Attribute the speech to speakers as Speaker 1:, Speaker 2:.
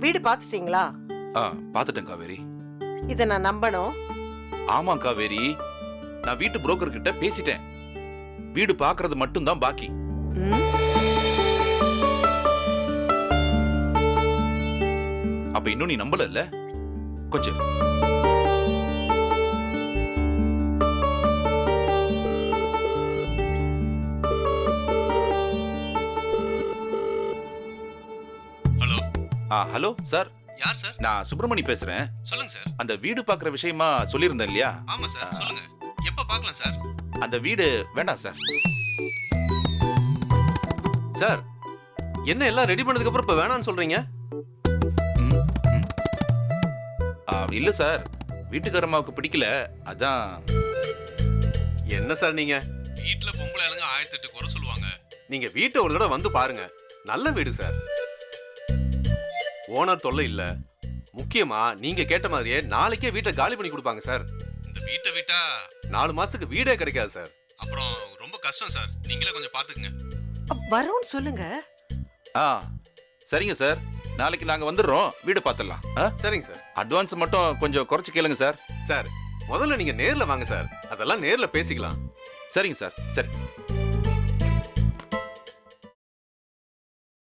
Speaker 1: வீடு பாத்துட்டீங்களா?
Speaker 2: பாத்துட்டேன் காவேரி.
Speaker 1: இத நான் நம்பணும்.
Speaker 2: ஆமா காவேரி, நான் வீட்டு புரோக்கர் கிட்ட பேசிட்டேன். வீடு பாக்குறது மட்டும் தான் பாக்கி.
Speaker 1: ம்,
Speaker 2: அப்ப இன்னும் நீ நம்பல இல்ல? கொஞ்சம் இரு.
Speaker 3: ஹலோ.
Speaker 2: ஹலோ சார்,
Speaker 3: யார் சார்?
Speaker 2: நான் சுப்பிரமணி பேசுறேன்.
Speaker 3: சொல்லுங்க சார்.
Speaker 2: அந்த வீடு பாக்குற விஷயமா சொல்லியிருந்தேன் இல்லையா?
Speaker 3: ஆமா சார், சொல்லுங்க. எப்ப பார்க்கலாம் சார்?
Speaker 2: அந்த வீடு வேண்டாம் சார்.
Speaker 3: சார், என்ன எல்லாம் ரெடி பண்ணதுக்கு அப்புறம் இப்ப வேணாம்னு சொல்றீங்க?
Speaker 2: ம், ம். இல்ல சார், வீட்டுக்காரம்மாவுக்கு பிடிக்கல, அதான்.
Speaker 3: என்ன சார் நீங்க? வீட்ல பொம்பளை ஆளுங்க 1008 குறை சொல்லுவாங்க. நீங்க வீட்டை ஒரு தடவை வந்து பாருங்க. நல்ல வீடு சார். ஓனர் தொல்லை இல்ல. முக்கியமா நீங்க கேட்ட மாதிரியே நாளைக்கே வீட்டை காலி பண்ணி கொடுப்பாங்க சார். இந்த வீட்டை விட்டா 4 மாசத்துக்கு வீடே கிடைக்காது சார். அப்புறம் ரொம்ப கஷ்டம் சார். நீங்களே கொஞ்சம் பாத்துக்குங்க.
Speaker 1: வரும்னு சொல்லுங்க.
Speaker 2: சரிங்க சார், நாளைக்கு நாங்க வந்துடுறோம், வீடு பார்த்துடலாம்.
Speaker 3: சரிங்க சார்.
Speaker 2: அட்வான்ஸ் மட்டும் கொஞ்சம் குறைச்சு கேளுங்க சார்.
Speaker 3: சார், முதல்ல நீங்க நேர்ல வாங்க சார். அதெல்லாம் நேர்ல பேசிக்கலாம்.
Speaker 2: சரிங்க சார், சரி.